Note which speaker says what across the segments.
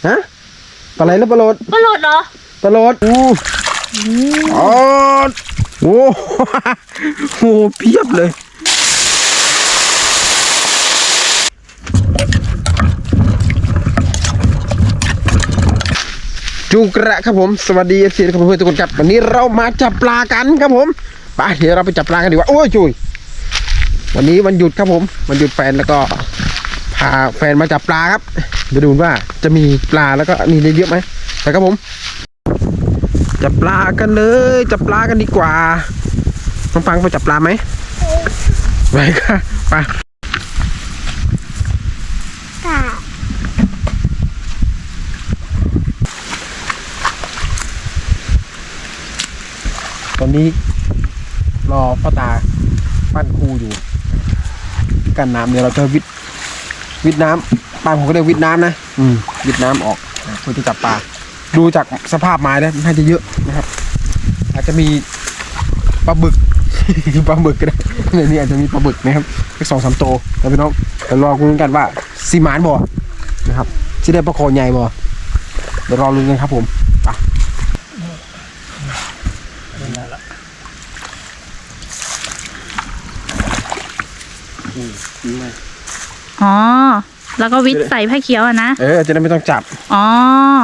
Speaker 1: ฮะปลาไหลหรือปลาโหลด
Speaker 2: เหรอ
Speaker 1: ปลาโหลดอ๋อโอ้โหเพียบเลยจุกระครับผมสวัสดีเอฟซีครับเพื่อนทุกคนครับวันนี้เรามาจับปลากันครับผมไปเดี๋ยวเราไปจับปลากันดีกว่าโอ้ยจุยวันนี้วันหยุดครับผมวันหยุดแฟนแล้วก็พาแฟนมาจับปลาครับไปดูว่าจะมีปลาแล้วก็นี่ได้เยอะไหมไปครับผมจับปลากันเลยจับปลากันดีกว่าน้องฟังไปจับปลาไหมไปค่ะไปตอนนี้รอพ่อตาปั้นคูอยู่กันน้ำเดี๋ยวเราจะวิดน้ำปลาผมก็เรียกวิดน้ำนะวิดน้ำออกเพื่อจะจับปลาดูจากสภาพไม้แล้วน่าจะเยอะนะครับอาจจะมีปลาบึก ปลาบึกก็ได้ในนี้อาจจะมีปลาบึกนะครับแค่2-3 ตัวแล้วพี่น้องเดี๋ยวรอลุ้นกันว่าซีมานบ่นะครับที่ได้ปลาโคใหญ่บ่เดี๋ยวรอลุ้นกันครับผมไป
Speaker 2: อ๋อแล้วก็วิทย์ใส่ผ้าเขียวอะนะ
Speaker 1: จะได้ไม่ต้องจับ
Speaker 2: อ๋อ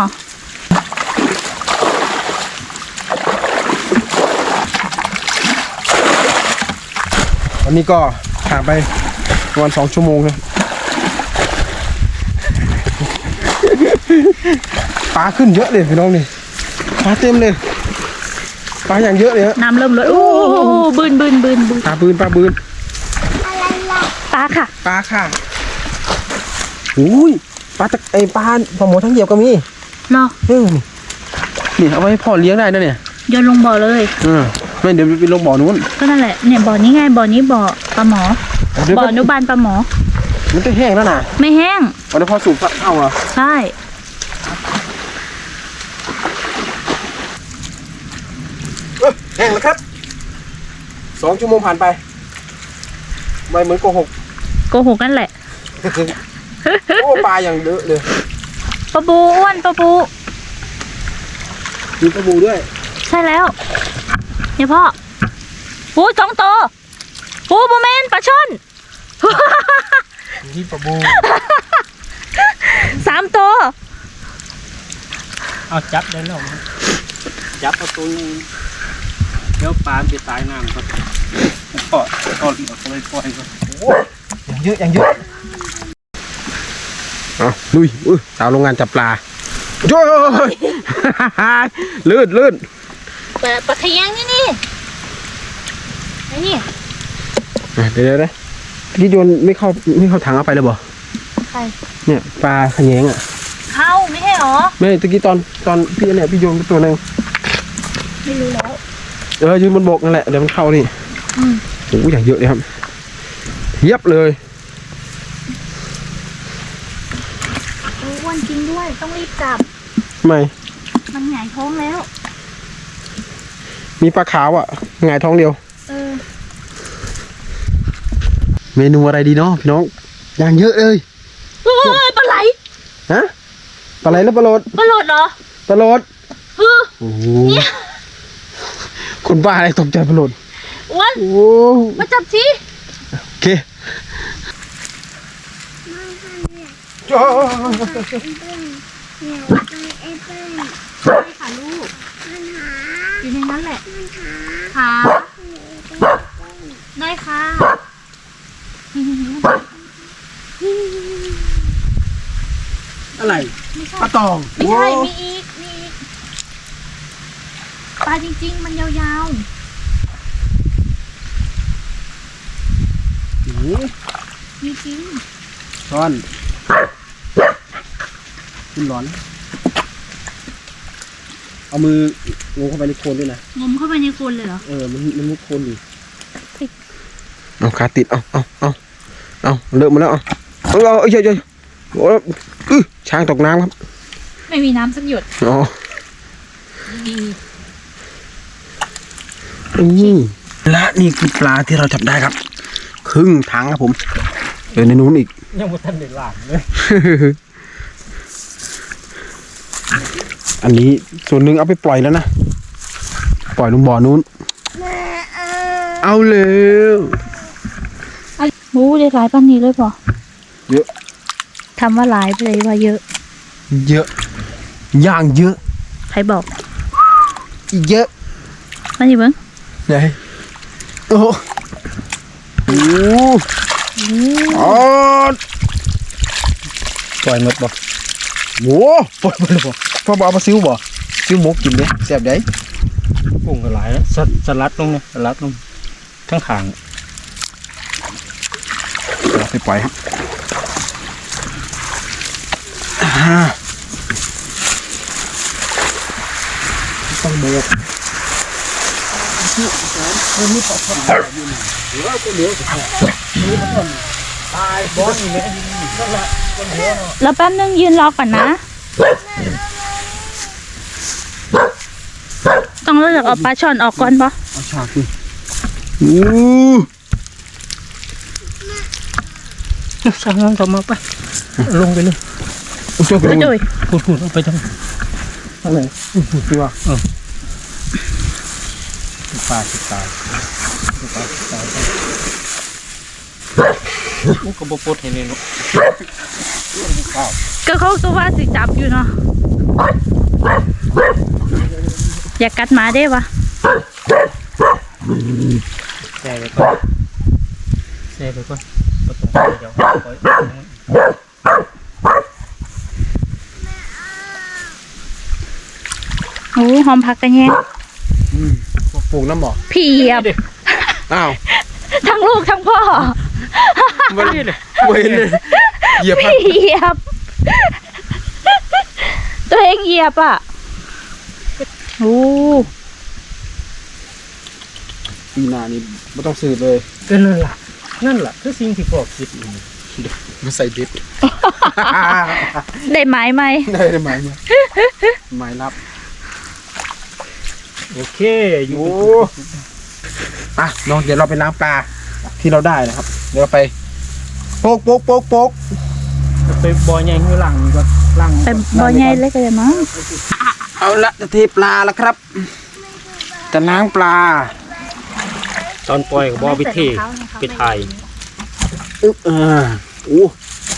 Speaker 1: วันนี้ก็ผ่านไปประมาณ2 ชั่วโมงเลยปลาขึ้นเยอะเลยพี่น้องนี่ปลาเต็มเลยปลาอย่างเยอะเลย
Speaker 2: น้ำเริ่มลดโอ้บืน
Speaker 1: ปลาบืน
Speaker 2: ปลาค่ะ
Speaker 1: อุ้ยปลาตะไอปลาปลาหมอทั้งเหยียบก็มี
Speaker 2: เนาะ
Speaker 1: นี่เอาไว้พ่อเลี้ยงได้นะเนี่ย
Speaker 2: โยนลงบ่อเลย
Speaker 1: ไม่เดี๋ยวไปลงบ่อนู้น
Speaker 2: ก็นั่นแหละเนี่ยบ่อนี้ไงบ่อนี้บ่อปลาหมอบ่ออนุบาลปลาหมอ
Speaker 1: มันจะแห้งแล้วนะ
Speaker 2: ไม่แห้ง
Speaker 1: วันนี้พอสูบเข้าเหรอ
Speaker 2: ใช่
Speaker 1: แห้งแล้วครับ2 ชั่วโมงผ่านไปไม่เหมือนโกหก
Speaker 2: นั่นแหละ
Speaker 1: โอ้ปลาอย่างเยอะเลย
Speaker 2: ปลาบูอ้วนปลาบู
Speaker 1: มีปลาบูด้วย
Speaker 2: ใช่แล้วเนี่ยพ่อปู2 ตัวปูโมเมนปลาช่อน
Speaker 1: นี่ปลาบู
Speaker 2: 3 ตัว
Speaker 3: เอาจับได้แล้วจับเอาตัวเดี๋ยวปลาจะตายน้ำครับก็เลยปล่อยก็
Speaker 1: อย่างเยอะลุยสาวโรงงานจับปลาโจ้ยลื่น
Speaker 2: ปลาขยงนี่ไอ้นี่
Speaker 1: เดี๋ยวพี่โยนไม่เข้าถังเอาไปเลยบ่
Speaker 2: ใคร
Speaker 1: เนี่ยปลาขยงอ่ะ
Speaker 2: เข้าไม่ใช่หรอ
Speaker 1: ไม่ตะกี้ตอนพี่เนี่ยพี่โยนตัวนึง
Speaker 2: ไม่รู้แล้ว
Speaker 1: ยืนบนบกนั่นแหละเดี๋ยวมันเข้านี่โอ้ยอย่างเยอะเลยครับเทียบเลย
Speaker 2: อ้วนจริงด้วยต้องรีบจับ
Speaker 1: ไม่
Speaker 2: มันหงายท้องแล้ว
Speaker 1: มีปลาขาวอ่ะหงายท้องเดียวเมนูอะไรดีเนาะพี่น้องอย่างเยอะเลย
Speaker 2: ปลาไหล
Speaker 1: ฮะปลาไหลหรือปลาโหลด
Speaker 2: เหรอ
Speaker 1: ปลาโหลดโอ้โหคนบ้าอะไรตกใจปลาโหลด
Speaker 2: อ้วนมาจับสิ
Speaker 1: โอเค
Speaker 2: ใช่ค่ะลูกอยู่ในนั้นแหละค่ะได้ค่ะ
Speaker 1: อะไรปลาตอง
Speaker 2: ไม่ใช่มีอีกปลาจริงๆมันยาวๆมีจริง
Speaker 1: ช้อนคุณร้อนเอามืองมเข้าไปในโคลนด้วยนะ
Speaker 2: งมเข้าไปในโคลนเลยเหรอ
Speaker 1: มันมุดโคลนอยู่เอาขาติดเอาเลอะมาแล้วเอาเยอะโอ้ช้างตกน้ำครับ
Speaker 2: ไม่มีน้ำสักหยด
Speaker 1: และนี่คือปลาที่เราจับได้ครับครึ่งถังครับผมในนู้นอีก
Speaker 3: ยังไม่ทันได้ล้างเลย
Speaker 1: อันนี้ส่วนหนึ่งเอาไปปล่อยแล้วนะปล่อยลงบ่อนู้นเอาเร็ว
Speaker 2: โอ้ได้หลายปันนี้เลยป่ะ
Speaker 1: เยอะ
Speaker 2: ทำว่าหลายไปเลยว่าเยอะ
Speaker 1: เยอะย่างเยอะ
Speaker 2: ใครบอก
Speaker 1: อีกเยอะ
Speaker 2: มาดิเบิ้ง
Speaker 1: ไหนโอ้โหอ๋อ
Speaker 3: ปล่อยหมดบ่
Speaker 1: โว้ปล่อยไปเลยบ่พ่อบอกเอามาซิ้วบ่ซิ้วหมกกินเด้แซ่บได้
Speaker 3: กุ้งก็หลายแล้วสลัดลงเนี่ยสลัดลงทั้งขาง
Speaker 1: เอาไปปล่อยครับต้องโบก
Speaker 2: แล้วแป๊บนึงยืนรอก่อนนะ ต้องเลือกเอาปลาช่อนออกก่อนป่ะ
Speaker 1: เอาฉากดิอู้
Speaker 3: สั่งงานต่อมาไปลงไปเลย
Speaker 1: เอาช่วยกัน
Speaker 2: ไป
Speaker 1: ดู
Speaker 2: ด้วย
Speaker 3: พูดเอาไปทั้งไหน
Speaker 1: พี่ว่า
Speaker 3: ปลาสิตายกูก็บ่ปลดให้เลยเนาะ
Speaker 2: ก็เขาก็ว่าสิจับอยู่เนาะอย่ากัดหมาได้ปะ
Speaker 3: แช่ไปก่อนบ่ต้องไปเดี๋ยวปล่อย
Speaker 2: โอ้หอมผักกันแยง
Speaker 1: ปลูกน้ำบ่
Speaker 2: พี่เหยียบ
Speaker 1: อ้าว
Speaker 2: ทั้งลูกทั้งพ่อ
Speaker 1: มันเว้นเลยเหยียบ
Speaker 2: พี่เหยียบ ตัวเองเหยียบอ่ะโอ้
Speaker 1: ปีหน้านี่ไม่ต้องสืบเลย
Speaker 3: ก็นั่นล่ะคือสิ่งที่พ่อคิด
Speaker 1: มาใส่ดิบ
Speaker 2: ได้ไม้ไหม
Speaker 1: ได้ไหมเนี่ยหมายรับ
Speaker 3: โอเคอยู่
Speaker 1: โอ้อ่ะน้องเดี๋ยวเราไปล้างปลาที่เราได้นะครับเดี๋ยวเราไปโป๊กโป๊กโป๊กโป๊ก
Speaker 3: ไปบ่อใหญ่ข้างหลังนี่ก็ล่าง
Speaker 2: ไปบ่อใหญ่เลยก็ได้มั้ง
Speaker 1: เอาละจะเทปลาแล้วครับจะล้างปลา
Speaker 3: ตอนปล่อยก็บ่ไปเทไปถ่าย
Speaker 1: อึ๊บโอ้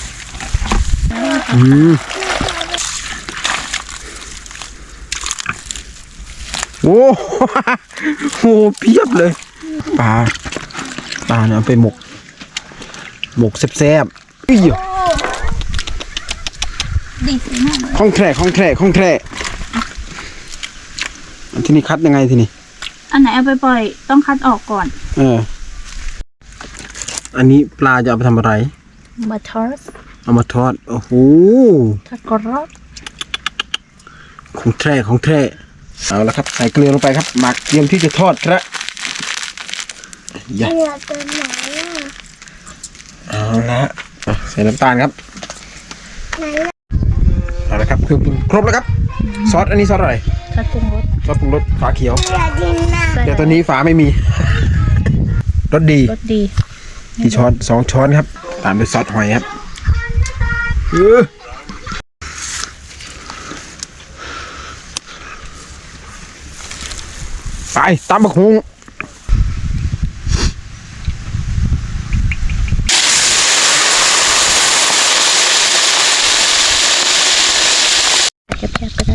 Speaker 1: โอ้โหเพียบเลยปลาเนี่ยเอาไปหมกแซ่บๆอุ้ย
Speaker 2: ดีสิมากเลย
Speaker 1: ข้องแคร่อันที่นี่คัดยังไงทีนี้
Speaker 2: อันไหนเอาไปปล่อยต้องคัดออกก่อน
Speaker 1: อันนี้ปลาจะเอาไปทำอะไร
Speaker 2: มาทอส
Speaker 1: เอามาทอดโอ้โห
Speaker 2: ทอดกรอบ
Speaker 1: ของแท้เอาละครับใส่เกลือลงไปครับหมักเตรียมที่จะทอดครับอย่าเอาละใส่น้ำตาลครับเอาละครับเครื่องปรุงครบแล้วครับซอสอันนี้ซอสอะไร
Speaker 2: ทอดปรุงรส
Speaker 1: ซอสปรุงรสฝาเขียวแต่ตอนนี้ฝาไม่มี รสดี
Speaker 2: รสดี
Speaker 1: กี่ช้อน2 ช้อนครับตามด้วยซอสหอยครับไปตามบักฮุง
Speaker 2: แคบๆก็ได้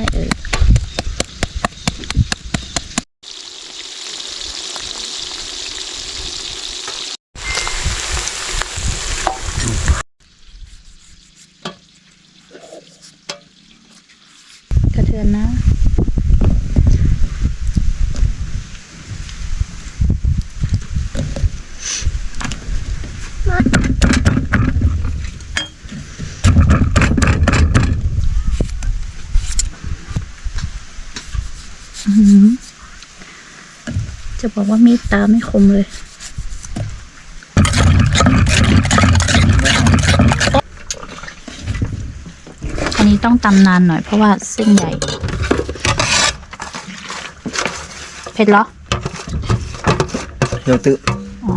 Speaker 2: กระเทือนนะ จะบอกว่ามีดตาไม่คมเลย อันนี้ต้องตำนานหน่อยเพราะว่าเส้นใหญ่ เผ็ดเหรอ
Speaker 1: เดี๋ยวตื้อ
Speaker 2: อ๋อ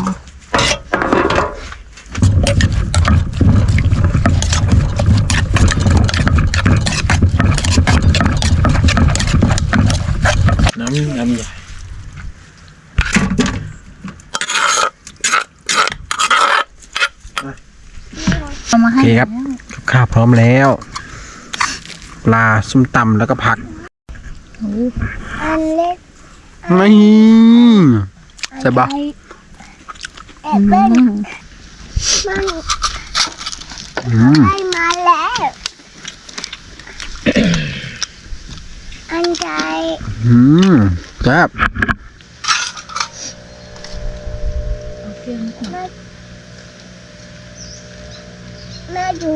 Speaker 1: ครับกับข้าวพร้อมแล้ว ปลาส้มตำแล้วก็ผัก
Speaker 2: โอ้
Speaker 4: อันเล็ก
Speaker 1: นี่ใช่ปะ
Speaker 4: แอบเล่นมัน ได้มาแล้วอันใจ
Speaker 1: ครับ
Speaker 2: เอาเกลือนิดหน่อย
Speaker 4: แม่ดู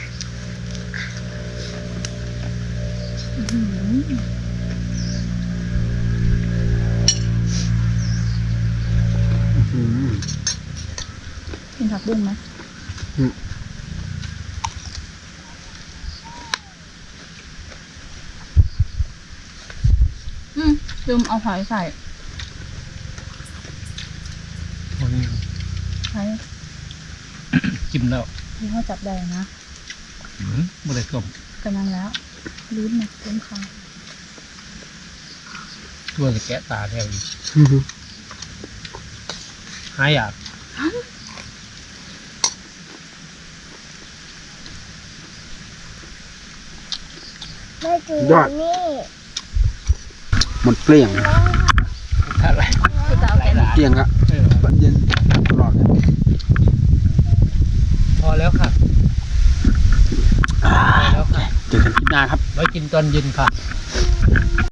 Speaker 2: กินผักบุ้งไหมลืมเอาหอยใส่ใส่
Speaker 3: จิ้มแล้ว
Speaker 2: ที่เขาจับได้นะ
Speaker 3: ไม่ได้ต้ม
Speaker 2: กำลังแล้วลุ้นนะลุ้นคา
Speaker 3: ตัวจะแกะตาแถวอีกหายอยาก
Speaker 4: แม่ดูนี่
Speaker 1: หมดเปลี่ยง
Speaker 3: อะไร
Speaker 2: คือจะเอาแกะ
Speaker 1: เปลี่ยงอะบันเย็นตลอดเลย
Speaker 3: พอแล้วค่ะพอแล้วค่ะ
Speaker 1: เจอกันคลิปหน้าครับ
Speaker 3: ไว้กินตอนเย็นค่ะ
Speaker 1: ค